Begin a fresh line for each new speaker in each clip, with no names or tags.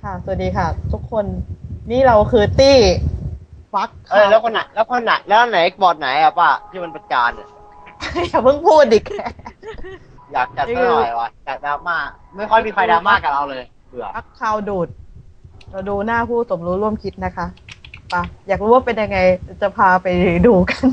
ค่ะสวัสดีค่ะทุกคนนี่เราคือตี้ฟัก
เอ้ย
ค่ะ
แล้วไหนบอร์ดไหนอะป้าที่มันประจานเนี่ย
อย่าเพิ่งพูดดิแก
อยากจัด
นี่คือ
ซะหน่อยวะอยากดราม่าไม่ค่อยมีใครดราม่า
ฟัก
กับเราเลยเบื่อ
ฟักข่าวดูดเราดูหน้าผู้สมรู้ร่วมคิดนะคะปะอยากรู้ว่าเป็นยังไงจะพาไปดูกัน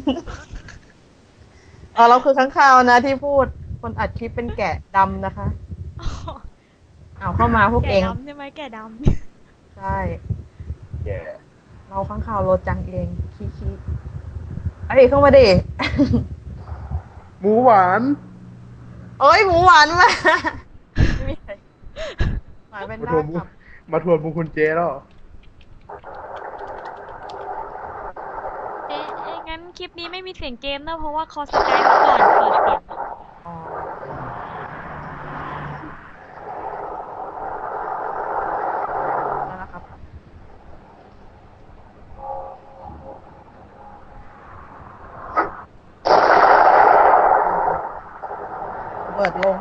เราคือข้างข่าวนะที่พูดคนอัดคลิปเป็นแกะดำนะคะ
อ๋อ
เอาเข้ามาพวก
แก่
เอง
ดำใช่ไหมแก่ดำ
ใช่
เย่
เราข้างข่าวโรจังเองขี้ไอ้ยเข้ามาดิ
หมูหวาน
เอ้ยหมูหวานมาไม่มีใครหมายเป็นหน้า
มาทวนบุ
กลับ
มาทวนบุญคุณเจแล้วเหรอ
งั้นคลิปนี้ไม่มีเสียงเกมนะเพราะว่าคอสกายเมื่อก่อนเปิดเสียง
อ๋อนั่นแหละครับเปิดลง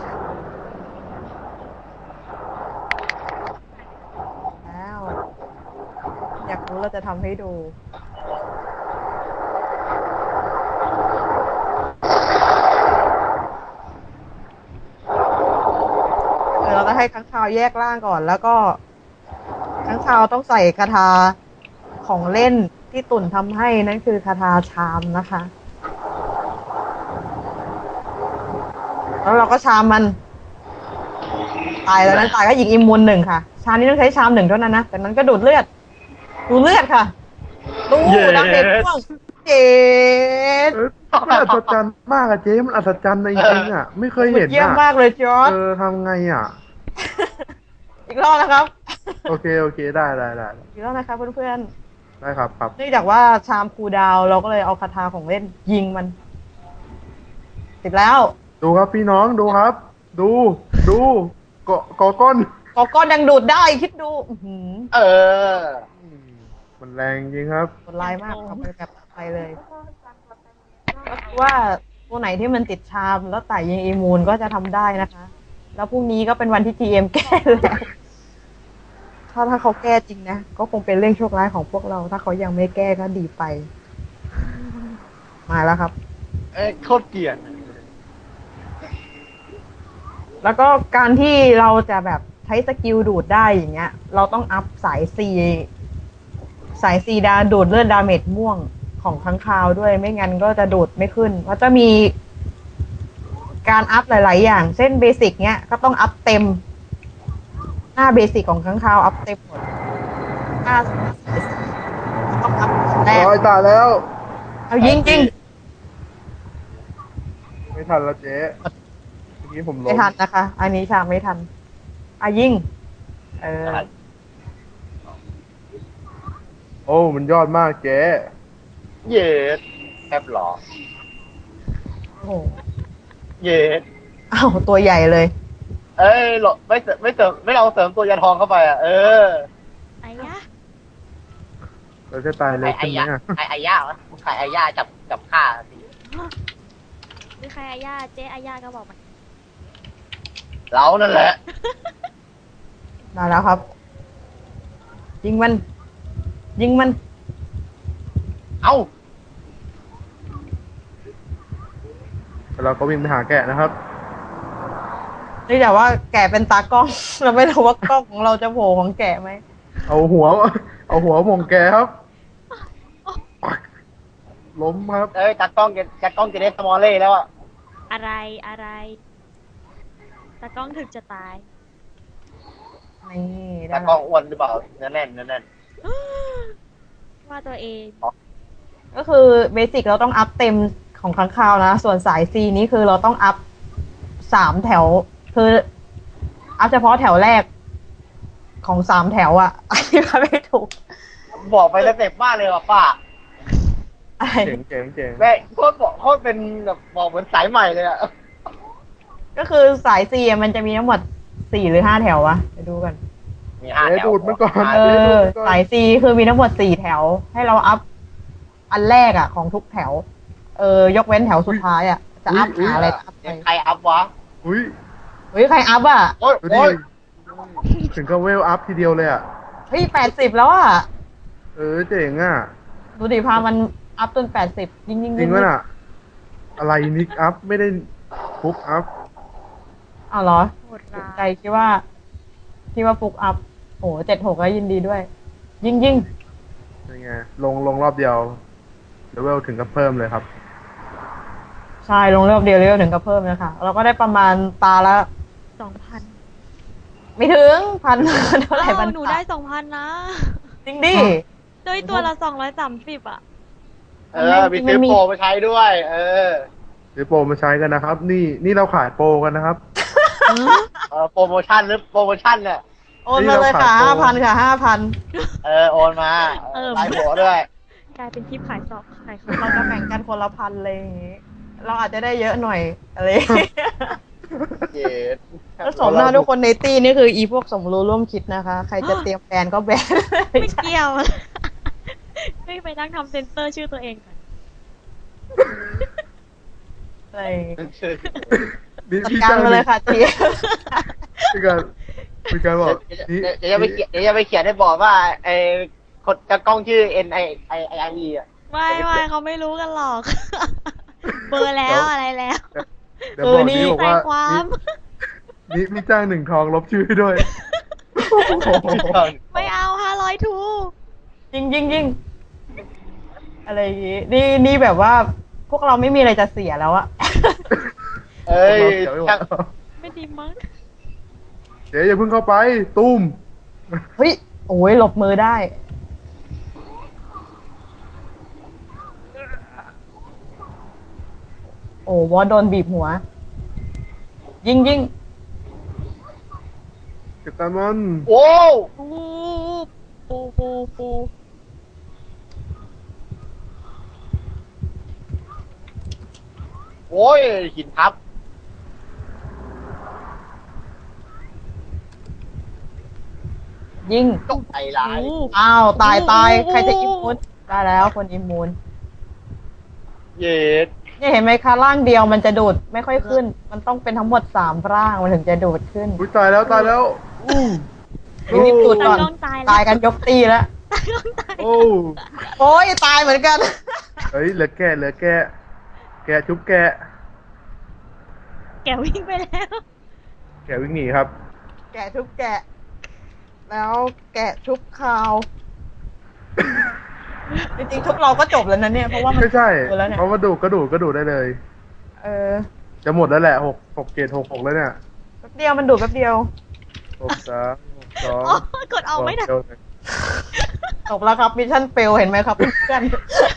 แล้วอยากรู้เราจะทำให้ดูเราจะให้ค้างคาวแยกร่างก่อนแล้วก็ค้างคาวต้องใส่คาถาของเล่นที่ตุ่นทำให้นั่นคือคาถาชามนะคะแล้วเราก็ชามมันตายแล้วนั้นตายก็หญิงอิมมูนหนึ่งค่ะชามนี้ต้องใช้ชามหนึ่งเท่านั้นนะแต่นั้นก็ดูดเลือดค่ะดูดาเมจม่วงเจ็ด
เออมันอัศจรรย์มากอะเจ๊มันอัศจรรย์จริงๆอะไม่เคยเห็น
เยี่ยม
อะ
มากเลยจอร์ด
ทำไงอะ
อีกรอบนะครับ
โอเคได้
อีกรอบนะคะเพื่อน
ได้ครับ
ๆเนื่องจากว่าชามคูลดาวน์เราก็เลยเอาคาถาของเล่นยิงมันติดแล้ว
ดูครับพี่น้องดูครับ ดูเกาะก้น
กอก้อนยังดูดได้คิดดูอื้อหือ
เออ
อืมมันแรงจริงครับ
กดไลน์มากเอาไปแบบไปเลยก็คือว่าตัวไหนที่มันติดชามแล้วไต่ยิงอีมูนก็จะทำได้นะคะ แล้วพรุ่งนี้ก็เป็นวันที่ GM แก้แล้วถ้าเขาแก้จริงนะก็คงเป็นเรื่องโชคร้ายของพวกเรา ถ้าเขายังไม่แก้ก็ดีไป มาแล้วครับ
เอ้ยโคตรเกลียด
แล้วก็การที่เราจะแบบใช้สกิลดูดได้อย่างเงี้ย เราต้องอัพสายซีดาดูดเลือดดาเมจม่วงของค้างคาวด้วยไม่งั้นก็จะดูดไม่ขึ้น เพราะจะมีการอัพหลายๆอย่างเช่นเบสิกเนี้ยก็ต้องอัพเต็มหน้าเบสิกของค้างคาวอัพเต็มหมดหน้าต้องอัพแรก
ร้อยตายแล้ว
เอายิงจริง
ไม่ทันแล้วเจ๊เมื่อกี้ผมล้
ไม่
ม
ทันนะคะ อันนี้ชามไม่ทันยิงเออ
โอ้มันยอดมากเจ๊
เย็ดแอบหรอ
โอ้โห
เย็ด
อ้าวตัวใหญ่เลย
เอ้ยหรอไม่ลองเสริมตัวยาทองเข้าไปอ่ะ
ไอ้ยะ
เราจะตายเร็วขึ้นไหมอะ
ไอ้ย่าวะใครไอ้ย่าจับฆ่าสิ
หรือใครอาญาเจ๊อาญาก็บอกมัน
เรานั่นแหละ
มาแล้วครับ ยิงมัน
เอ้า
เราก็วิ่งไปหาแกะนะครับ
นี่แต่ว่าแกะเป็นตากล้อง เราไม่รู้ว่ากล้องของเราจะโผล่ของแกะไหม
เอาหัวหม่งแกครับปักล้มครับ
เอ้ยจัดกล้องจะได้สมอลเล่แล้วอ่ะ
อะไรตากล้องถึกจะตาย
นี่ได้
จัดกล้
แล้
อง
ว
อ้วนหรือเปล่าเนื้อแน่น
ว่าตัวเอง
ก็คือเบสิกเราต้องอัพเต็มของค้างคาวนะ ส่วนสายซีนี้คือเราต้องอัพ3 แถว คืออัพเฉพาะแถวแรกของ3 แถวอะอธิบายไม่ถูก
บอกไปแล้วเจ็บมากเลยว่ะป้า
อะไร
เจ๋ง
แม่โคตรเป็นแบบบอกเหมือนสายใหม่เลยอ่ะ
ก็คือสายซีมันจะมีทั้งหมด4 หรือ 5 แถววะไปดูกัน
มี
เจ๊ดูดมันก่อน
เอ
เจ๊ดู
อ
ดมันก่อน
สายซีคือมีทั้งหมด4 แถว ให้เราอัพอันแรกอะของทุกแถว ยกเว้นแถวสุดท้ายอะจะอัพหาอะไรก็อัพไป
ใครอัพวะ
อุ้ย
เฮ้ยใครอัพอะ
โอ้ย
ดูดิถึงก็เวลอัพทีเดียวเลยอ่ะ
เฮ้ย80แล้วอ่ะ
เจ๋งอ่ะ
ดูดิพามันอัพจน80ยิ่งยิ่ง
จริงวะน่ะ อะไรนิกอัพไม่ได้ฟุกอัพ
อ้าวเหรอ
โหดร้า
ใจ
ย
คิดว่าฟุกอัพโอ้76ก็ยินดีด้วย ยิ่ง
ยังไงลงรอบเดียวเลเวลถึงกับเพิ่มเลยครับ
ใช่ลงเรื่องเดียวเร็วถึงก็เพิ่มนะคะเราก็ได้ประมาณตาละ
2,000
ไม่ถึงพัน เท่าไหร่พัน
หนูได้ 2,000 นะ
จริงดิ
ด้วยตัวละ230อ่ะ
มีซื้อโปรมาใช้ด้วย
หรือโปรมาใช้กันนะครับ นี่เราขายโปรกันนะครับ
โปรโมชั่นหรือโปรโมชั่นเนี่ย
โอนมาเลยค่ะ
นี่เราขาย
5,000 ค่ะ 5,000
โอนมาลายหัวด้วย
กลายเป็นคลิปขายซอกขายของ
เราจะแบ่งกันคนละพันเลยอย่างงี้ เราอาจจะได้เยอะหน่อยอะไรอย่างงี้
เย็ด
แล้วสมหน้าทุกคนในตี้นี่คืออีพวกสมรู้ร่วมคิดนะคะ ใครจะเตรียมแบนก็แบน
ไม่เกี่ยว ไม่ไปนั่งทำเซ็นเซอร์ชื่อตัวเองก่อน
อะไรอย่างงี้
นี่
จัด
พี่
การ
จ้าง
มาเลยค่ะที
มีการบอกนี่
เดี๋ยวจะไปเขียนให้บอกว่าคนจะกล้องชื่อ NIE อ่ะ
ไม่เขาไม่รู้กันหรอก เบอร์แล้วอะไรแล้ว
เดี๋ยวบอกนี่บอก
ใส่
ว่า
ความ
นี่พี่จ้าง1 ทองลบชื่อให้ด้วย
ไม่เอา500ทู
ยิงอะไรอย่างงี้นี่แบบว่า พวกเราไม่มีอะไรจะเสียแล้วอะ
เอ้ยช่าง
ไม่ดีมั้ง
เดี๋ยวอย่าเพิ่งเข้าไป ตุ้ม
เฮ้ย โอ้ยหลบมือได้ โอ้วอสโดนบีบหัว ยิง
เก็บตามมัน
โอ้
ปู
โอ้ยหินทับ
ยิง
ตกใจร้าย
อ้าว ตาย ใครจะอิมมูนได้แล้วคนอิมมูน
เย็ด
เนี่ยเห็นไหมคะร่างเดียวมันจะดูดไม่ค่อยขึ้น มันต้องเป็นทั้งหมด3 ร่างมันถึงจะดูดขึ้น
อุ้ยตายแล้วอู้
รีบดูดก่อน
ตากล้องตายแล้ว
ตายกันยกตีแล้ว
ตากล้องตาย
โอ้
โอ้ยตายเหมือนกัน
เฮ้ยเหลือแกะแกะชุบแกะ
แกวิ่งไปแล้ว
แกะวิ่งหนีครับ
แกะทุบแกะ แล้วแกะทุบคาว จริงๆทุบเราก็จบแล้วนะเนี่ย เพราะว่ามัน
ไม่ใช่
หมดแล้วเนี่ย
เพราะว่าดูก็ดูได้เลย
เออ
จะหมดแล้วแหละ6 เกรด6แล้วเนี่ย
แป๊บเดียวมันดูดแป๊บเดียว
6 3 6 2
อ๋อกดออกไม่ได้
จบแล้วครับมิชชั่นเฟลเห็นไหมครับเพื่อน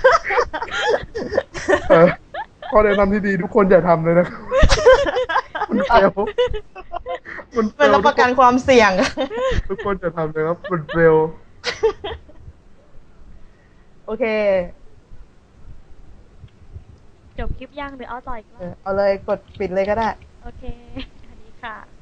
เออข้อแนะนำที่ดีทุกคนอย่าทำเลยนะครับมันเฟลมันเฟ
เป็น
ล
รับประกันความเสี่ยง
ทุกคนอย่าทำเลยครับมันเฟล
โอเค
จบคลิปยังหรือเอาต่ออีกรอบ
เอาเลยกดปิดเลยก็ได้
โอเค สวัสดีค่ะ